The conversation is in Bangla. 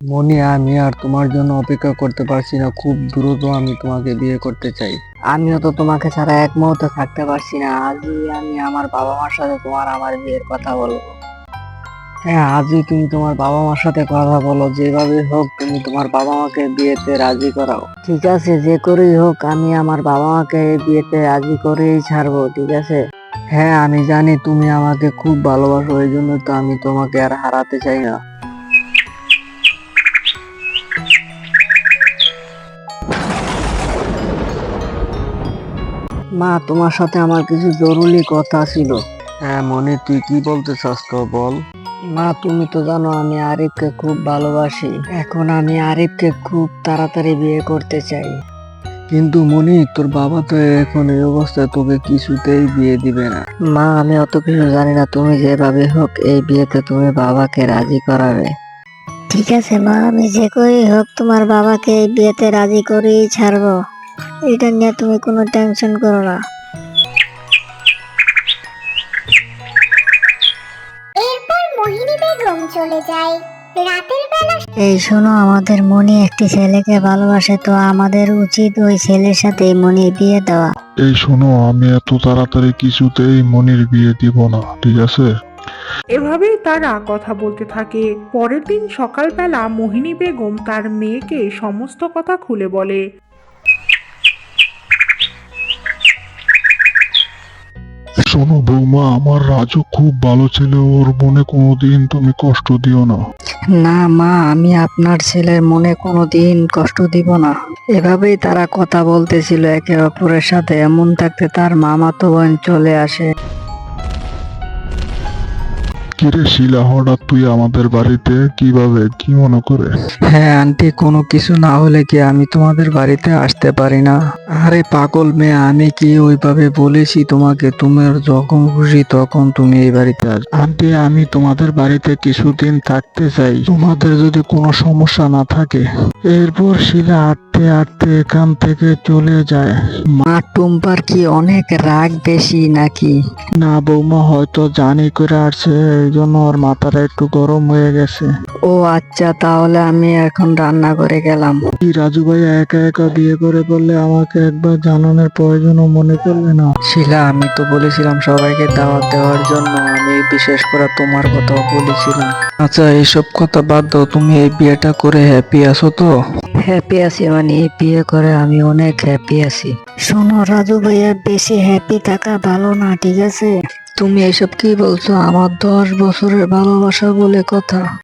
মনি, আমি আর তোমার জন্য অপেক্ষা করতে পারছি না, খুব দ্রুত আমি তোমাকে বিয়ে করতে চাই। আমিও তো তোমাকে ছাড়া এক মুহূর্ত থাকতে পারছি না। আজই আমি আমার বাবা মার সাথে আমার বিয়ের কথা বলবো। হ্যাঁ, আজই তুমি তোমার বাবা মার সাথে কথা বলো, যেভাবে হোক তুমি তোমার বাবা মাকে বিয়েতে রাজি করাও। ঠিক আছে, যে করেই হোক আমি আমার বাবা মাকে এই বিয়েতে রাজি করেই ছাড়বো, ঠিক আছে? হ্যাঁ, আমি জানি তুমি আমাকে খুব ভালোবাসো, এই জন্য তো আমি তোমাকে আর হারাতে চাই না। মা, তোমার সাথে আমার কিছু জরুরি কথা ছিল। হ্যাঁ মনি, তুই কি বলতে চাস তো বল। মা, তুমি তো জানো আমি আরিফকে খুব ভালোবাসি। এখন আমি আরিফকে খুব তাড়াতাড়ি বিয়ে করতে চাই। কিন্তু মনি, তোর বাবা তো এখন এই অবস্থায় তোকে কিছুতেই বিয়ে দিবে না। মা, আমি অত কিছু জানি না, তুমি যেভাবে হোক এই বিয়েতে তুমি বাবাকে রাজি করাবে। ঠিক আছে মা, আমি যে করেই হোক তোমার বাবাকে এই বিয়েতে রাজি করেই ছাড়বো। এটা নিয়ে তুমি কোনো টেনশন করো না। এরপর মোহিনী বেগম চলে যায়। রাতের বেলা এই শোনো, আমাদের মনি একটি ছেলেকে ভালোবাসে, তো আমাদের উচিত ওই ছেলের সাথে মনির বিয়ে দেওয়া। এই শোনো, আমি এত তাড়াতাড়ি কিছুতেই মনির বিয়ে দিব না, ঠিক আছে? এভাবেই তারা কথা বলতে থাকে। পরের দিন সকালবেলা মোহিনী বেগম তার মেয়েকে সমস্ত কথা খুলে বলে। শোনো বৌমা, আমার রাজু খুব ভালো ছেলে, ওর মনে কোনোদিন তুমি কষ্ট দিও না। না মা, আমি আপনার ছেলের মনে কোনোদিন কষ্ট দিব না। এভাবেই তারা কথা বলতেছিল একে অপরের সাথে। এমন থাকতে তার মামাতো বোন চলে আসে। কিরে শিলা, হঠাৎ তুই আমাদের বাড়িতে কিভাবে, কি মনে করে? হ্যাঁ আন্টি, কোনো কিছু না হলে কি আমি তোমাদের বাড়িতে আসতে পারি না? আরে পাগল মেয়ে, আমি কি ওইভাবে বলেছি তোমাকে? তোমার যখন খুশি তখন তুমি এই বাড়িতে আস। আন্টি, আমি তোমাদের বাড়িতে কিছুদিন থাকতে চাই, তোমাদের যদি কোনো সমস্যা না থাকে। এরপর শিলা হাঁটতে হাঁটতে এখান থেকে চলে যায়। মা, টুম্পার কি অনেক রাগ বেশি নাকি? না বৌমা, হয়তো জানি করে আসছে, এই জন্য ওর মাথাটা একটু গরম হয়ে গেছে। ও আচ্ছা, তাহলে আমি এখন রান্না করে গেলাম। কি রাজু ভাইয়া একা একা বিয়ে করে বললে, আমাকে একবার জানানোর প্রয়োজনও মনে করলে না? শিলা, আমি তো বলেছিলাম সবাইকে দাওয়াত দেওয়ার জন্য, আমি বিশেষ করে তোমার কথাও বলেছিলাম। আচ্ছা, এইসব কথা বাদ দাও, তুমি এই বিয়েটা করে হ্যাপি আছো তো? হ্যাপি আছি, মানে এই বিয়ে করে আমি অনেক হ্যাপি আছি। শোনো রাজু ভাইয়া, বেশি হ্যাপি থাকা ভালো না, ঠিক আছে? তুমি এসব কি বলছো? আমার 10 বছরের ভালোবাসা বলে কথা।